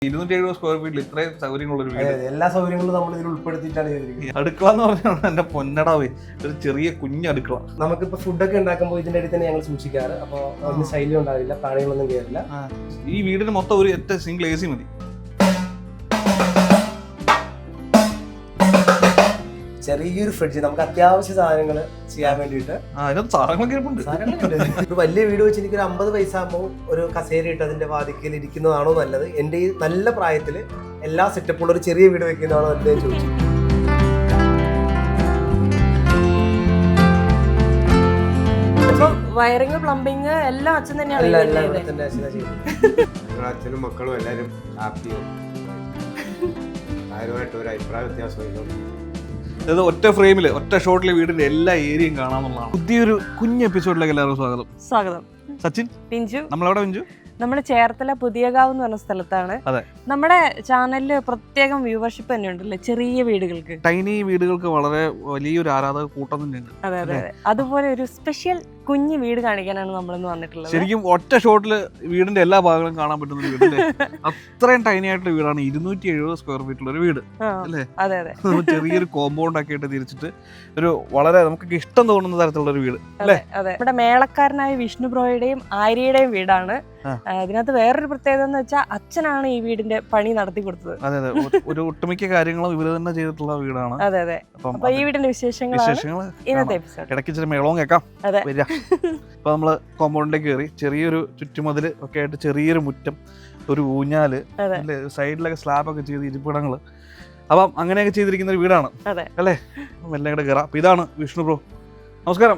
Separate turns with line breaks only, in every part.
270 square ഫീറ്റിൽ ഇത്രയും സൗകര്യങ്ങളുള്ള ഒരു വീട്,
എല്ലാ സൗകര്യങ്ങളും നമ്മൾ ഇതിൽ ഉൾപ്പെടുത്തിയിട്ടാണ് ചെയ്തിരിക്കുന്നത്.
അടുക്കള എന്ന് പറഞ്ഞാൽ എന്റെ പൊന്നടാവേ, ഒരു ചെറിയ കുഞ്ഞ് അടുക്കള.
നമുക്കിപ്പോ ഫുഡൊക്കെ ഉണ്ടാക്കുമ്പോൾ ഇതിന്റെ അടുത്ത് തന്നെ ഞങ്ങൾ സൂക്ഷിക്കാറ്. അപ്പോൾ അതിന് ശൈലി ഉണ്ടാവില്ല, പ്രാണികളൊന്നും കയറില്ല.
ഈ വീടിന് മൊത്തം ഒരു ഒറ്റ സിംഗിൾ AC മതി.
ചെറിയൊരു ഫ്രിഡ്ജ്, നമുക്ക് അത്യാവശ്യ സാധനങ്ങൾ ചെയ്യാൻ വേണ്ടിയിട്ട്.
അതിനകത്ത് സാധനങ്ങളൊക്കെ ഇരിപ്പുണ്ട്.
ഒരു വലിയ വീട് വെച്ച് എനിക്കൊരു 50 പൈസ ആകുമ്പോൾ ഒരു കസേര ഇട്ട് അതിന്റെ വാതിക്കൽ ഇരിക്കുന്നതാണോ നല്ലത്, എന്റെ ഈ നല്ല പ്രായത്തിൽ എല്ലാ സെറ്റപ്പുള്ള ഒരു ചെറിയ വീട് വെക്കുന്നതാണോ എന്ന് ചോദിച്ചു.
വയറിങ്, പ്ലംബിങ് എല്ലാം അച്ഛൻ തന്നെയാണ്.
അച്ഛനും മക്കളും എല്ലാവരും ഹാപ്പിയും ആരുമായിട്ട് ഒരു അഭിപ്രായ വ്യത്യാസമില്ല.
അതായത് ഒറ്റ ഫ്രെയിമില് ഒറ്റ ഷോട്ടില് വീടിന്റെ എല്ലാ ഏരിയയും കാണാന്നുള്ളതാണ്. പുതിയൊരു കുഞ്ഞ് എപ്പിസോഡിലേക്ക് എല്ലാവർക്കും സ്വാഗതം. സച്ചിൻ,
പിഞ്ചു.
നമ്മളെവിടെ പിഞ്ചു?
നമ്മുടെ ചേർത്തല പുതിയകാവ് എന്ന് പറഞ്ഞ സ്ഥലത്താണ്. നമ്മുടെ ചാനലില് പ്രത്യേകം വ്യൂവർഷിപ്പ് തന്നെ ഉണ്ടല്ലേ ചെറിയ വീടുകൾക്ക്,
ടൈനി വീടുകൾക്ക് വളരെ വലിയൊരു ആരാധക കൂട്ടം തന്നെയുണ്ട്.
അതെ അതെ അതെ. അതുപോലെ ഒരു സ്പെഷ്യൽ കുഞ്ഞു വീട് കാണിക്കാനാണ് നമ്മളിന്ന് വന്നിട്ടുള്ളത്.
ശരിക്കും ഒറ്റ ഷോട്ടില് വീടിന്റെ എല്ലാ ഭാഗങ്ങളും കാണാൻ പറ്റുന്ന ഒരു വീട്. അത്രയും ടൈനി ആയിട്ടുള്ള വീടാണ്. 270 സ്ക്വയർ ഫീറ്റുള്ള ഒരു വീട് അല്ലേ?
അതെ അതെ.
ചെറിയൊരു കോമ്പൗണ്ട് ഒക്കെ ആയിട്ട് തിരിച്ചിട്ട് ഒരു വളരെ നമുക്ക് ഇഷ്ടം തോന്നുന്ന തരത്തിലുള്ള ഒരു വീട് അല്ലേ?
അതെ. നമ്മുടെ മേളക്കാരനായ വിഷ്ണു ബ്രോയുടെയും ആര്യയുടെയും വീടാണ്. അതിനകത്ത് വേറൊരു പ്രത്യേകത എന്ന് വെച്ചാൽ അച്ഛനാണ് ഈ വീടിന്റെ പണി നടത്തി കൊടുത്തത്.
അതെ അതെ. ഒരു ഒട്ടുമിക്ക കാര്യങ്ങളും ഇവര് തന്നെ ചെയ്തിട്ടുള്ള വീടാണ്.
അതെ അതെ. അപ്പൊ ഈ വീടിന്റെ വിശേഷങ്ങൾ ഇന്നത്തെ എപ്പിസോഡ്.
ഇടയ്ക്ക് ഇച്ചിരി മേളവും കേൾക്കാം.
അതെ.
അപ്പൊ നമ്മള് കോമ്പൗണ്ടിലേക്ക് കയറി, ചെറിയൊരു ചുറ്റുമതില് ഒക്കെ ആയിട്ട് ചെറിയൊരു മുറ്റം, ഒരു ഊഞ്ഞാല്, സൈഡിലൊക്കെ സ്ലാബൊക്കെ ചെയ്ത് ഇരിപ്പിടങ്ങള്. അപ്പം അങ്ങനെയൊക്കെ ചെയ്തിരിക്കുന്ന ഒരു വീടാണ് അല്ലേ? എല്ലാം കൂടെ കയറാം. അപ്പൊ ഇതാണ് വിഷ്ണു ബ്രോ. നമസ്കാരം.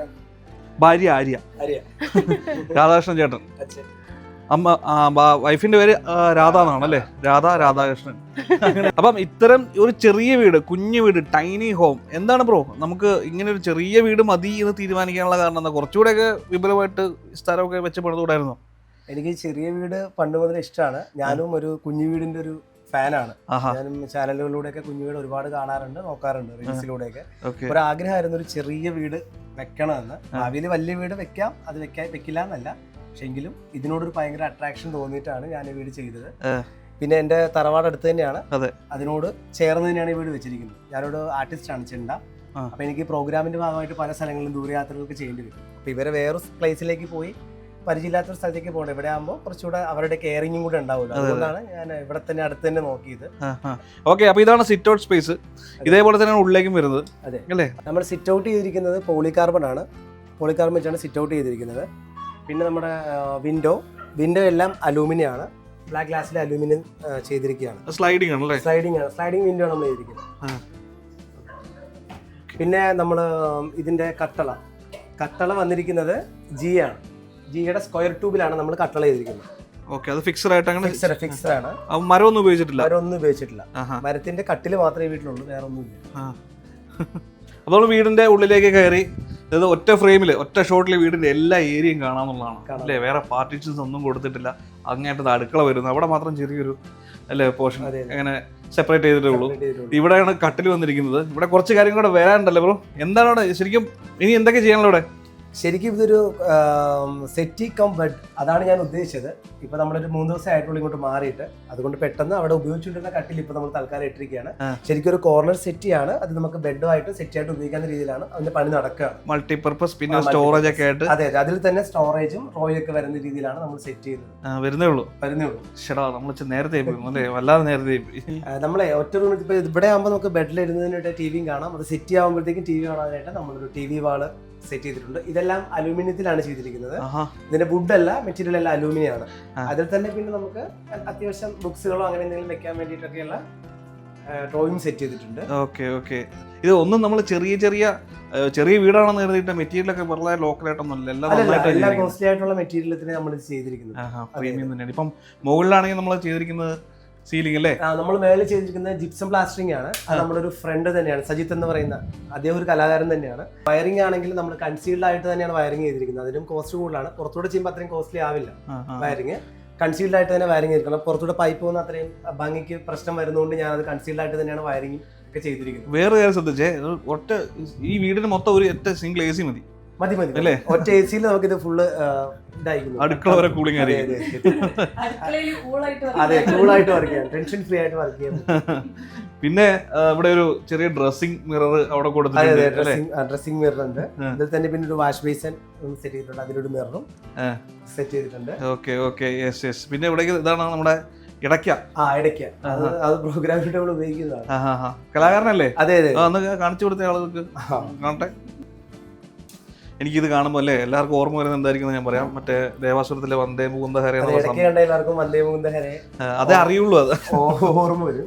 ഭാര്യ ആര്യ, രാധാകൃഷ്ണൻ ചേട്ടൻ. അമ്മ വൈഫിന്റെ പേര് രാധ എന്നാണല്ലേ? രാധാകൃഷ്ണൻ. അപ്പം ഇത്തരം ഒരു ചെറിയ വീട്, കുഞ്ഞു വീട്, ടൈനി ഹോം. എന്താണ് ബ്രോ നമുക്ക് ഇങ്ങനെ ഒരു ചെറിയ വീട് മതി എന്ന് തീരുമാനിക്കാനുള്ള കാരണം എന്താ? കുറച്ചുകൂടെയൊക്കെ വിപുലമായിട്ട് സ്ഥലമൊക്കെ വെച്ച് പണിതുകൂടായിരുന്നോ?
എനിക്ക് ചെറിയ വീട് പണ്ട് മുതൽ ഇഷ്ടമാണ്. ഞാനും ഒരു കുഞ്ഞു വീടിന്റെ ഒരു ഫാനാണ്. ഞാനും ചാനലുകളിലൂടെയൊക്കെ കുഞ്ഞു വീട് ഒരുപാട് കാണാറുണ്ട്, നോക്കാറുണ്ട്, റീൽസിലൂടെയൊക്കെ. ഒരു ആഗ്രഹമായിരുന്നു ഒരു ചെറിയ വീട് വെക്കണമെന്ന്. ഭാവിയിൽ വലിയ വീട് വെക്കാം, അത് വെക്കില്ല എന്നല്ല, പക്ഷെ എങ്കിലും ഇതിനോടൊരു ഭയങ്കര അട്രാക്ഷൻ തോന്നിയിട്ടാണ് ഞാൻ ഈ വീട് ചെയ്തത്. പിന്നെ എന്റെ തറവാട് അടുത്ത് തന്നെയാണ്, അതിനോട് ചേർന്ന് തന്നെയാണ് ഈ വീട് വെച്ചിരിക്കുന്നത്. ഞാനൊരു ആർട്ടിസ്റ്റാണ്, ചെണ്ട. അപ്പൊ എനിക്ക് പ്രോഗ്രാമിന്റെ ഭാഗമായിട്ട് പല സ്ഥലങ്ങളിലും ദൂരയാത്രകൾക്ക് ചെയ്യേണ്ടി വരും. അപ്പൊ ഇവരെ വേറൊരു പ്ലേസിലേക്ക് പോയി പരിചയമില്ലാത്തൊരു സ്ഥലത്തേക്ക് പോകണം. ഇവിടെ ആകുമ്പോൾ കുറച്ചുകൂടെ അവരുടെ കെയറിങ്ങും കൂടെ ഉണ്ടാവില്ല. അതുകൊണ്ടാണ് ഞാൻ ഇവിടെ തന്നെ അടുത്ത് തന്നെ നോക്കിയത്.
ഓക്കെ. അപ്പൊ ഇതാണ് സിറ്റ് ഔട്ട് സ്പേസ്. ഇതേപോലെ തന്നെയാണ് ഉള്ളിലേക്കും വരുന്നത്.
അതെ അല്ലേ? നമ്മൾ സിറ്റ് ഔട്ട് ചെയ്തിരിക്കുന്നത് പോളികാർബൺ ആണ്. പോളികാർബൺ വെച്ചാണ് സിറ്റ് ഔട്ട് ചെയ്തിരിക്കുന്നത്. പിന്നെ നമ്മുടെ വിൻഡോ എല്ലാം അലൂമിനിയം ആണ്. ബ്ലാക്ക് ഗ്ലാസ്സിൽ അലൂമിനിയം ചെയ്തിരിക്കുകയാണ്.
സ്ലൈഡിംഗ് ആണല്ലേ?
സ്ലൈഡിംഗ് വിൻഡോ ആണ് നമ്മൾ ചെയ്തിരിക്കുന്നത്. പിന്നെ നമ്മൾ ഇതിന്റെ കട്ടള വന്നിരിക്കുന്നത് ജി ആണ്. ജിയുടെ സ്ക്വയർ ട്യൂബിലാണ് നമ്മൾ കട്ടള ചെയ്തിരിക്കുന്നത്.
ഓക്കെ. അത് ഫിക്സഡ് ആയിട്ടാണ്?
ഫിക്സഡ് ആണ്.
മരമൊന്നും ഉപയോഗിച്ചിട്ടില്ല.
മരത്തിന്റെ കട്ടില് മാത്രമേ വീട്ടിലുള്ളൂ, വേറെ ഒന്നുമില്ല.
അപ്പോൾ വീടിന്റെ ഉള്ളിലേക്ക് കയറി, അതായത് ഒറ്റ ഫ്രെയിമില് ഒറ്റ ഷോട്ടില് വീടിന്റെ എല്ലാ ഏരിയയും കാണാന്നുള്ളതാണ് അല്ലേ? വേറെ പാർട്ടീഷൻസ് ഒന്നും കൊടുത്തിട്ടില്ല. അങ്ങേറ്റത് അടുക്കള വരുന്നു, അവിടെ മാത്രം ചെറിയൊരു അല്ലേ പോർഷൻ അങ്ങനെ സെപ്പറേറ്റ് ചെയ്തിട്ടേ ഉള്ളൂ. ഇവിടെയാണ് കട്ടിൽ വന്നിരിക്കുന്നത്. ഇവിടെ കുറച്ച് കാര്യങ്ങൾ കൂടെ വരാനുണ്ടല്ലോ ബ്രോ. എന്താണ് അവിടെ ശരിക്കും ഇനി എന്തൊക്കെ ചെയ്യാനുള്ള ഇവിടെ?
ശരിക്കും ഇതൊരു സെറ്റി കം ബെഡ്, അതാണ് ഞാൻ ഉദ്ദേശിച്ചത്. ഇപ്പൊ നമ്മളൊരു 3 ദിവസം ആയിട്ടുള്ള ഇങ്ങോട്ട് മാറിയിട്ട്, അതുകൊണ്ട് പെട്ടെന്ന് അവിടെ ഉപയോഗിച്ചുകൊണ്ടിരുന്ന കട്ടിൽ ഇപ്പൊ നമ്മൾ തൽക്കാലം ഇട്ടിരിക്കുകയാണ്. ശരിക്കും ഒരു കോർണർ സെറ്റിയാണ്. അത് നമുക്ക് ബെഡുമായിട്ട് സെറ്റായിട്ട് ഉപയോഗിക്കാവുന്ന രീതിയിലാണ് അതിന്റെ പണി നടക്കുകയാണ്.
മൾട്ടിപർപ്പസ്, പിന്നെ സ്റ്റോറേജ് ഒക്കെ ആയിട്ട്.
അതെ, അതിൽ തന്നെ സ്റ്റോറേജും റോയൊക്കെ വരുന്ന രീതിയിലാണ് നമ്മൾ സെറ്റ് ചെയ്യുന്നത്.
വരുന്നേ ഉള്ളൂ. നമ്മൾ നേരത്തെ വല്ലാതെ നേരത്തെ
നമ്മളെ ഒറ്റ റൂമിൽ ഇപ്പൊ ഇവിടെ ആകുമ്പോൾ നമുക്ക് ബെഡിൽ ഇരുന്നതിനായിട്ട് ടിവിയും കാണാം. അത് സെറ്റ് ആകുമ്പോഴത്തേക്കും ടി വി കാണാനായിട്ട് നമ്മളൊരു TV വാള് സെറ്റ് ചെയ്തിട്ടുണ്ട്. ഇതെല്ലാം അലൂമിനിയത്തിലാണ് ചെയ്തിരിക്കുന്നത്. ഇതിന്റെ വുഡ് അല്ല, മെറ്റീരിയൽ എല്ലാം അലൂമിനിയം ആണ്. അതിൽ തന്നെ പിന്നെ നമുക്ക് അത്യാവശ്യം ബുക്സുകളോ അങ്ങനെ എന്തെങ്കിലും വെക്കാൻ വേണ്ടിയിട്ടൊക്കെയുള്ള ഡ്രോയിങ് സെറ്റ് ചെയ്തിട്ടുണ്ട്.
ഓക്കെ. ഇത് ഒന്നും നമ്മൾ ചെറിയ വീടാണെന്ന് കരുതിയിട്ട് മെറ്റീരിയലൊക്കെ വളരെ ലോക്കലായിട്ടൊന്നുമല്ല,
എല്ലാം കോസ്റ്റ്ലി ആയിട്ടുള്ള മെറ്റീരിയൽ നമ്മൾ ചെയ്തിരിക്കുന്നത്.
ഇപ്പം മുകളിലാണെങ്കിൽ നമ്മൾ ചെയ്തിരിക്കുന്നത് സീലിംഗ് അല്ലേ?
നമ്മൾ മേളിൽ ചെയ്തിരിക്കുന്നത് ജിപ്സം പ്ലാസ്റ്ററിംഗ് ആണ്. അത് നമ്മുടെ ഒരു ഫ്രണ്ട് തന്നെയാണ്, സജിത്ത് എന്ന് പറയുന്ന അദ്ദേഹം ഒരു കലാകാരൻ തന്നെയാണ്. വയറിംഗ് ആണെങ്കിൽ നമ്മൾ കൺസീൽഡ് ആയിട്ട് തന്നെയാണ് വയറിംഗ് ചെയ്തിരിക്കുന്നത്. അതിനും കോസ്റ്റ് കൂടുതലാണ്. പുറത്തൂടെ ചെയ്യുമ്പോൾ അത്രയും കോസ്റ്റ്ലി ആവില്ല വയറിംഗ്. കൺസീൽഡ് ആയിട്ട് തന്നെ വയറിംഗ് ചെയ്തിരിക്കണം. പുറത്തൂടെ പൈപ്പ് പോകുന്ന അത്രയും ഭംഗിക്ക് പ്രശ്നം വരുന്നതുകൊണ്ട് ഞാൻ അത് കൺസീൽഡ് ആയിട്ട് തന്നെയാണ് വയറിംഗ് ഒക്കെ ചെയ്തിരിക്കുന്നത്.
വേറെ കാര്യം ശ്രദ്ധിച്ചേ, ഈ വീടിന് മൊത്തം ഒരു ഒറ്റ സിംഗിൾ AC മതി.
മതി
അല്ലേ?
ഒറ്റ AC യിൽ നമുക്കിത് ഫുള്ള് ഇതായിരിക്കും.
അടുക്കള വരെ കൂളിംഗ് ആയിരിക്കും.
അതെ, കൂളായിട്ട് വർക്ക് ചെയ്യാം, ടെൻഷൻ ഫ്രീ ആയിട്ട് വർക്ക് ചെയ്യാം.
പിന്നെ ഇവിടെ ഒരു ചെറിയ ഡ്രസ്സിംഗ് മിറർ അവിടെ കൊടുത്തിട്ടുണ്ട്.
ഡ്രസ്സിംഗ് മിറർ ഉണ്ട്. ഇതിൽ തന്നെ പിന്നെ ഒരു വാഷ് ബേസിൻ സെറ്റ് ചെയ്തിട്ടുണ്ട്, അതിലൊരു മിററും സെറ്റ് ചെയ്തിട്ടുണ്ട്.
Okay okay, yes yes. പിന്നെ ഇവിടെ ഇതാണ് നമ്മുടെ ഇടയ്ക്ക.
അത് പ്രോഗ്രാമിൽ നമ്മൾ ഉപയോഗിക്കുന്നതാണ്.
കലാകാരനല്ലേ?
അതെ അതെ.
അന്ന് കാണിച്ചു കൊടുത്ത ആളുകൾക്ക് കാണട്ടെ. എനിക്കിത് കാണുമ്പോൾ അല്ലേ എല്ലാവർക്കും ഓർമ്മ വരുന്നത് എന്തായിരിക്കും ഞാൻ പറയാം. മറ്റേ ദേവാസുരത്തിലെ വന്ദേ മുകുന്ദ ഹരേ
എല്ലാവർക്കും വന്ദേ മുകുന്ദ ഹരേ
അതേ അറിയുള്ളൂ. അത്
ഓർമ്മ വരും.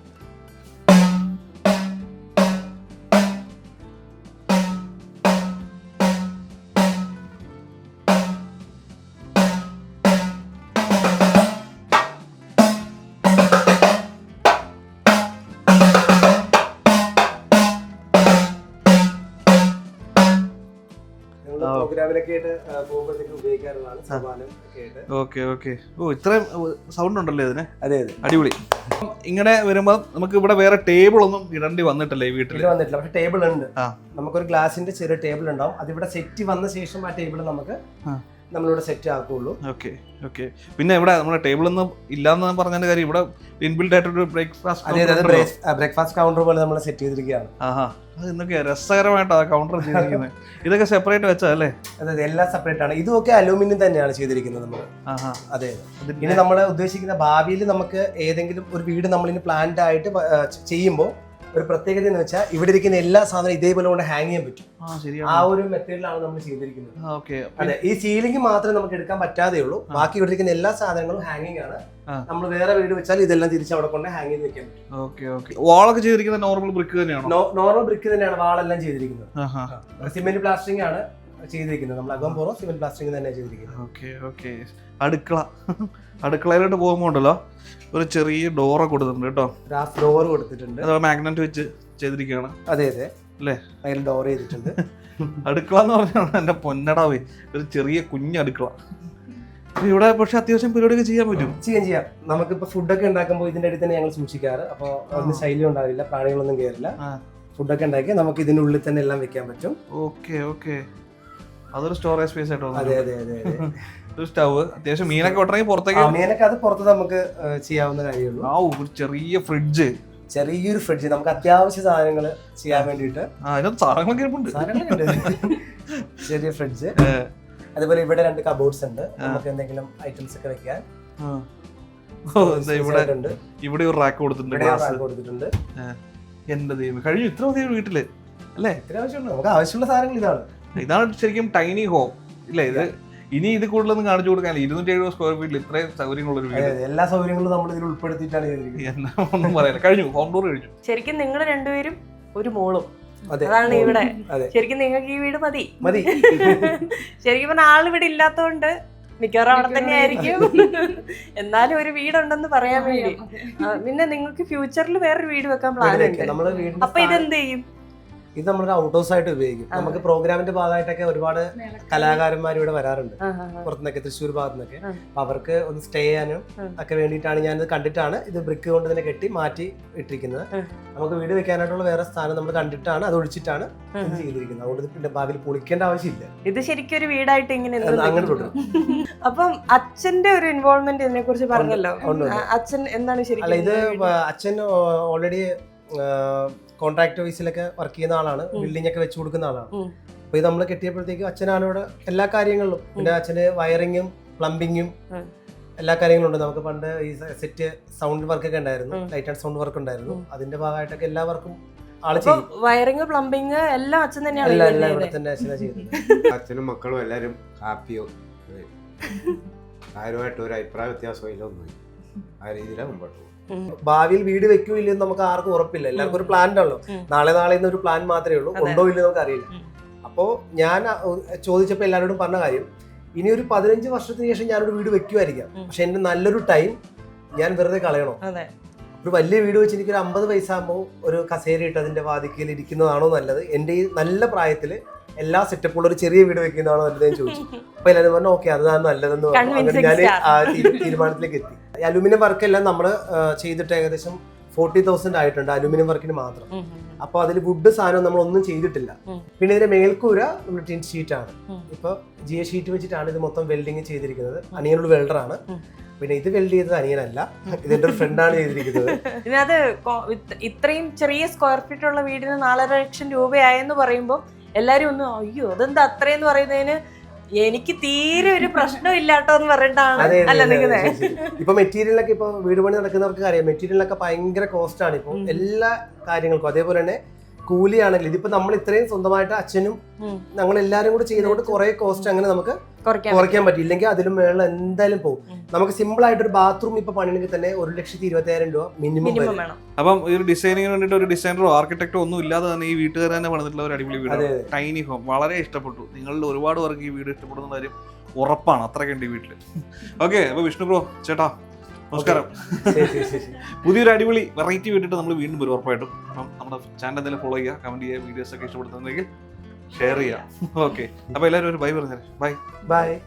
Okay okay. ഓ, ഇത്രയും സൗണ്ട് ഉണ്ടല്ലേ ഇതിന്?
അതെ അതെ,
അടിപൊളി. ഇങ്ങനെ വരുമ്പോ നമുക്ക് ഇവിടെ വേറെ ടേബിൾ ഒന്നും ഇടേണ്ടി വന്നിട്ടില്ലേ വീട്ടിൽ?
വന്നിട്ടില്ല, പക്ഷെ ടേബിൾ ഉണ്ട്. നമുക്കൊരു ഗ്ലാസിന്റെ ചെറിയ ടേബിൾ ഉണ്ടാവും. അതിവിടെ സെറ്റ് വന്ന ശേഷം ആ ടേബിൾ നമുക്ക് നമ്മളിവിടെ സെറ്റ് ആക്കുള്ളൂ.
Okay okay. പിന്നെ ഇവിടെ നമ്മുടെ ടേബിൾ ഒന്നും ഇല്ലാന്ന് പറഞ്ഞതിന്റെ കാര്യം ഇവിടെ ഇൻബിൽഡ് ആയിട്ടൊരു
ബ്രേക്ക്ഫാസ്റ്റ് കൗണ്ടർ പോലെ നമ്മൾ സെറ്റ് ചെയ്തിരിക്കുകയാണ്.
അത് എന്തൊക്കെയാ രസകരമായിട്ടാ കൗണ്ടർ ചെയ്തിരിക്കുന്നത്. ഇതൊക്കെ സെപ്പറേറ്റ് വെച്ചതല്ലേ?
അതെ, എല്ലാം സെപ്പറേറ്റ് ആണ്. ഇതൊക്കെ അലൂമിനിയം തന്നെയാണ് ചെയ്തിരിക്കുന്നത് നമ്മൾ. അതെ. ഇനി നമ്മൾ ഉദ്ദേശിക്കുന്ന ഭാവിയിൽ നമുക്ക് ഏതെങ്കിലും ഒരു വീട് നമ്മളിന് പ്ലാൻഡ് ആയിട്ട് ചെയ്യുമ്പോൾ ഒരു പ്രത്യേകത എന്ന് വെച്ചാൽ ഇവിടെ ഇരിക്കുന്ന എല്ലാ സാധനവും ഇതേപോലെ കൊണ്ട് ഹാങ് ചെയ്യാൻ പറ്റും. ആ ഒരു മെത്തേഡിലാണ് നമ്മൾ ചെയ്തിരിക്കുന്നത്. അതെ, ഈ സീലിംഗ് മാത്രമേ നമുക്ക് എടുക്കാൻ പറ്റാതെ ഉള്ളൂ. ബാക്കി ഇവിടെ ഇരിക്കുന്ന എല്ലാ സാധനങ്ങളും ഹാങ്ങിങ് ആണ്. നമ്മൾ വേറെ വീട് വെച്ചാൽ ഇതെല്ലാം തിരിച്ച് അവിടെ കൊണ്ട് ഹാങ് ചെയ്ത് വെക്കാൻ പറ്റും.
വാളൊക്കെ ചെയ്തിരിക്കുന്നത് നോർമൽ ബ്രിക്ക് തന്നെയാണോ?
നോർമൽ ബ്രിക്ക് തന്നെയാണ് വാളെല്ലാം ചെയ്തിരിക്കുന്നത്. സിമെന്റ് പ്ലാസ്റ്ററിംഗ് ആണ് ചെയ്തിരിക്കുന്നത്. നമ്മൾ അകം പുറം സിമെന്റ് പ്ലാസ്റ്ററിംഗ് തന്നെ ചെയ്തിരിക്കുന്നത്.
Okay okay. അടുക്കളയിലോട്ട് പോകുമ്പോൾ ഉണ്ടല്ലോ ഒരു ചെറിയ ഡോറ് കൊടുത്തിട്ടുണ്ട് കേട്ടോ.
ഗ്ലാസ് ഡോർ കൊടുത്തിട്ടുണ്ട്.
മാഗ്നറ്റ് വെച്ച് ചെയ്തിരിക്കുകയാണ്.
അതെ അതെ
അല്ലേ?
അതിൽ ഡോർ ചെയ്തിട്ടുണ്ട്.
അടുക്കള എന്ന് പറഞ്ഞാൽ എന്റെ പൊന്നടാവേ, ഒരു ചെറിയ കുഞ്ഞ് അടുക്കള. ഇവിടെ പക്ഷെ അത്യാവശ്യം പരിപാടിയൊക്കെ ചെയ്യാൻ പറ്റും.
ചെയ്യാം. നമുക്കിപ്പോ ഫുഡൊക്കെ ഉണ്ടാക്കുമ്പോൾ ഇതിന്റെ അടുത്ത് തന്നെ ഞങ്ങൾ സൂക്ഷിക്കാറ്. അപ്പോൾ ഒന്നും ശൈലി ഉണ്ടാവില്ല, പ്രാണികളൊന്നും കയറില്ല. ഫുഡൊക്കെ ഉണ്ടാക്കി നമുക്ക് ഇതിന്റെ ഉള്ളിൽ തന്നെ എല്ലാം വെക്കാൻ പറ്റും.
Okay okay. അതൊരു സ്റ്റോറേജ് സ്പേസ് ആയിട്ടോ.
അതെ അതെ അതെ അതെ.
ഒരു സ്റ്റവ്, അത്യാവശ്യം മീനൊക്കെ വെട്ടണമെങ്കിൽ പുറത്തേക്ക്.
മീനൊക്കെ അത് പുറത്ത് നമുക്ക് ചെയ്യാവുന്ന കാര്യമുള്ളൂ.
ഒരു ചെറിയ ഫ്രിഡ്ജ്,
ചെറിയൊരു ഫ്രിഡ്ജ് നമുക്ക് അത്യാവശ്യ സാധനങ്ങൾ ചെയ്യാൻ വേണ്ടിയിട്ട്. ചെറിയ ഫ്രിഡ്ജ്. അതുപോലെ ഇവിടെ 2 കബോർഡ്സ് ഉണ്ട്, നമുക്ക് എന്തെങ്കിലും ഐറ്റംസ് ഒക്കെ വെക്കാൻ.
ഇവിടെ ഒരു റാക്ക് കൊടുത്തിട്ടുണ്ട്. എന്റെ ദൈവം, കഴിഞ്ഞു. ഇത്ര മതി വീട്ടില് അല്ലേ?
നമുക്ക് ആവശ്യമുള്ള സാധനങ്ങൾ
ഇതാണ് ശരിക്കും ടൈനി ഹോം ഇല്ലേ? ഇത് ഇനി ഇത് കൂടുതലൊന്നും കാണിച്ചു കൊടുക്കാൻ 270 സ്ക്വയർ ഫീറ്റിൽ ഇത്രയും സൗകര്യങ്ങളുള്ള ഒരു വീട്.
എല്ലാ സൗകര്യങ്ങളും നമ്മൾ ഇതിൽ ഉൾപ്പെടുത്തിയിട്ടാണ്
ഒന്നും പറയാനില്ല. കഴിഞ്ഞു, ഹോം ടൂർ കഴിഞ്ഞു.
ശരിക്കും നിങ്ങൾ രണ്ടുപേരും ഒരു മോളും അതാണ് ഇവിടെ. ശരിക്കും നിങ്ങൾക്ക് ഈ വീട് മതി. ശരിക്കും പറഞ്ഞ ആളിവിടെ ഇല്ലാത്തോണ്ട് മിക്കവാറും അവിടെ തന്നെ ആയിരിക്കും. എന്നാലും ഒരു വീടുണ്ടെന്ന് പറയാൻ വേണ്ടി. പിന്നെ നിങ്ങൾക്ക് ഫ്യൂച്ചറിൽ വേറൊരു വീട് വെക്കാൻ പ്ലാൻ ഉണ്ട്. അപ്പൊ ഇതെന്ത് ചെയ്യും?
ഇത് നമ്മളൊരു ഔട്ട് ഹൗസ് ആയിട്ട് ഉപയോഗിക്കും. നമുക്ക് പ്രോഗ്രാമിന്റെ ഭാഗമായിട്ടൊക്കെ ഒരുപാട് കലാകാരന്മാർ ഇവിടെ വരാറുണ്ട്, പുറത്തുനിന്നൊക്കെ, തൃശ്ശൂർ ഭാഗത്തു നിന്നൊക്കെ. അപ്പൊ അവർക്ക് ഒന്ന് സ്റ്റേ ചെയ്യാനും ഒക്കെ വേണ്ടിയിട്ടാണ് ഞാനിത് കണ്ടിട്ടാണ് ഇത് ബ്രിക്ക് കൊണ്ട് തന്നെ കെട്ടി മാറ്റി ഇട്ടിരിക്കുന്നത്. നമുക്ക് വീട് വെക്കാനായിട്ടുള്ള വേറെ സ്ഥാനം നമ്മൾ കണ്ടിട്ടാണ് അത് ഒഴിച്ചിട്ടാണ് ഇത് ചെയ്തിരിക്കുന്നത്. അതുകൊണ്ട് പിന്നെ ഭാവിയിൽ പൊളിക്കേണ്ട ആവശ്യമില്ല.
ഇത് ശരിക്കും ഒരു വീടായിട്ട് ഇങ്ങനെ അങ്ങനെ തുടരും. അപ്പം അച്ഛന്റെ ഒരു ഇൻവോൾവ്മെന്റ് ഇതിനെ കുറിച്ച് പറഞ്ഞല്ലോ. അച്ഛൻ എന്താണ് ശരിക്കും?
അല്ല, ഇത് അച്ഛൻ ഓൾറെഡി കോൺട്രാക്ട് വൈസിലൊക്കെ വർക്ക് ചെയ്യുന്ന ആളാണ്, ബിൽഡിംഗ് ഒക്കെ വെച്ച് കൊടുക്കുന്ന ആളാണ്. അപ്പൊ ഇത് നമ്മൾ കെട്ടിയപ്പോഴത്തേക്കും അച്ഛനാണ് ഇവിടെ എല്ലാ കാര്യങ്ങളിലും. പിന്നെ അച്ഛന് വയറിങ്ങും പ്ലംബിങ്ങും എല്ലാ കാര്യങ്ങളും ഉണ്ട്. നമുക്ക് പണ്ട് ഈ സെറ്റ് സൗണ്ട് വർക്ക് ഒക്കെ ഉണ്ടായിരുന്നു, ലൈറ്റ് ആൻഡ് സൗണ്ട് വർക്ക് ഉണ്ടായിരുന്നു. അതിന്റെ ഭാഗമായിട്ടൊക്കെ എല്ലാ വർക്കും ആള് ചെയ്യും.
വയറിങ് പ്ലംബിങ് എല്ലാം അച്ഛൻ തന്നെയാണ്.
എല്ലാം ഇവിടെ തന്നെ അച്ഛനാ ചെയ്യുന്നത്.
അച്ഛനും മക്കളും എല്ലാരും ഹാപ്പിയോ, ആരുമായിട്ട് ഒരു അഭിപ്രായ വ്യത്യാസമോ ഇല്ല, ഒന്നും ആ രീതിയിലാണ് മുമ്പോട്ട്.
ഭാവിയിൽ വീട് വെക്കൂ ഇല്ലെന്ന് നമുക്ക് ആർക്കും ഉറപ്പില്ല. എല്ലാവർക്കും ഒരു പ്ലാൻ ഉണ്ടല്ലോ. നാളെ ഒരു പ്ലാൻ മാത്രമേ ഉള്ളൂ, ഉണ്ടോ ഇല്ലെന്ന് നമുക്ക് അറിയില്ല. അപ്പോ ഞാൻ ചോദിച്ചപ്പോ എല്ലാവരോടും പറഞ്ഞ കാര്യം, ഇനി ഒരു 15 വർഷത്തിന് ശേഷം ഞാനൊരു വീട് വെക്കുമായിരിക്കാം, പക്ഷെ എന്റെ നല്ലൊരു ടൈം ഞാൻ വെറുതെ കളയണോ? ഒരു വലിയ വീട് വെച്ച് എനിക്കൊരു 50 വയസ്സാകുമ്പോൾ ഒരു കസേര ഇട്ട് അതിന്റെ വാതിക്കയിൽ ഇരിക്കുന്നതാണോ നല്ലത്? എന്റെ ഈ നല്ല പ്രായത്തില് എല്ലാ സെറ്റപ്പുള്ള ഒരു ചെറിയ വീട് വെക്കുന്നതാണോ നല്ലത് എന്ന് ചോദിച്ചു. അപ്പൊ എല്ലാവരും പറഞ്ഞു ഓക്കെ അതാണ് നല്ലതെന്ന് പറഞ്ഞു. അങ്ങനെ ഞാൻ തീരുമാനത്തിലേക്ക് എത്തി. അലൂമിനിയം വർക്കെല്ലാം നമ്മൾ ചെയ്തിട്ട് ഏകദേശം 40,000 ആയിട്ടുണ്ട് അലുമിനിയം വർക്കിന് മാത്രം. അപ്പൊ അതിൽ വുഡ് സാധനം നമ്മൾ ഒന്നും ചെയ്തിട്ടില്ല. പിന്നെ ഇതിന്റെ മേൽക്കൂര നമ്മൾ ടിൻ ഷീറ്റ് ആണ്. ഇപ്പൊ GA ഷീറ്റ് വെച്ചിട്ടാണ് ഇത് മൊത്തം വെൽഡിങ് ചെയ്തിരിക്കുന്നത്. അനിയനോട് വെൽഡർ ആണ്. പിന്നെ ഇത് വെൽഡ് ചെയ്തത് അനിയനല്ല, ഇതിന്റെ ഒരു ഫ്രണ്ടാണ് ചെയ്തിരിക്കുന്നത്.
ഇതിനകത്ത് ഇത്രയും ചെറിയ സ്ക്വയർ ഫീറ്റ് ഉള്ള വീടിന് 4.5 ലക്ഷം രൂപയായെന്ന് പറയുമ്പോൾ എല്ലാരും ഒന്ന് അയ്യോ അതെന്താ അത്രയെന്ന് പറയുന്നതിന് എനിക്ക് തീരെ ഒരു പ്രശ്നം ഇല്ലാട്ടോ എന്ന് പറഞ്ഞിട്ടാണ് അല്ല നിൽക്കുന്നത്.
ഇപ്പൊ മെറ്റീരിയലൊക്കെ ഇപ്പൊ വീട് പണി നടക്കുന്നവർക്ക് അറിയാം, മെറ്റീരിയലൊക്കെ ഭയങ്കര കോസ്റ്റ് ആണ് ഇപ്പൊ എല്ലാ കാര്യങ്ങൾക്കും. അതേപോലെ തന്നെ കൂലിയാണെങ്കിൽ ഇതിപ്പോ നമ്മൾ ഇത്രയും സ്വന്തമായിട്ട് അച്ഛനും ഞങ്ങൾ എല്ലാരും കൂടെ ചെയ്തുകൊണ്ട് കുറെ കോസ്റ്റ് അങ്ങനെ നമുക്ക് കുറയ്ക്കാൻ പറ്റും. ഇല്ലെങ്കിൽ അതിലും മേളിൽ എന്തായാലും പോകും. നമുക്ക് സിമ്പിൾ ആയിട്ട് ഒരു ബാത്റൂം ഇപ്പൊ പണിയെങ്കിൽ തന്നെ 1,20,000 രൂപ മിനിമം വേണം.
അപ്പം ഈ ഒരു ഡിസൈനിങ്ങിന് വേണ്ടിയിട്ട് ഒരു ഡിസൈനറോ ആർക്കിടെക്ടോ ഒന്നും ഇല്ലാതെ തന്നെ ഈ വീട്ടുകാർ തന്നെ പണിതിട്ടുള്ള ഒരു അടിപൊളി വീട്, ടൈനി ഹോം. വളരെ ഇഷ്ടപ്പെട്ടു. നിങ്ങളിൽ ഒരുപാട് പേർക്ക് ഈ വീട് ഇഷ്ടപ്പെടുന്ന കാര്യം ഉറപ്പാണ്. അത്രയ്ക്കുണ്ട് ഈ വീട്ടില്. ഓക്കെ, അപ്പൊ വിഷ്ണു ബ്രോ ചേട്ടാ നമസ്കാരം. പുതിയൊരു അടിപൊളി വെറൈറ്റി വീട്ടിട്ട് നമ്മൾ വീണ്ടും വരും ഉറപ്പായിട്ടും. അപ്പം നമ്മുടെ ചാനൽ എന്തെങ്കിലും ഫോളോ ചെയ്യുക, കമന്റ് ചെയ്യുക, വീഡിയോസ് ഒക്കെ ഇഷ്ടപ്പെടുന്നുണ്ടെങ്കിൽ ഷെയർ ചെയ്യുക. ഓക്കെ, അപ്പൊ എല്ലാവരും ഒരു ബൈ പറഞ്ഞാൽ ബൈ.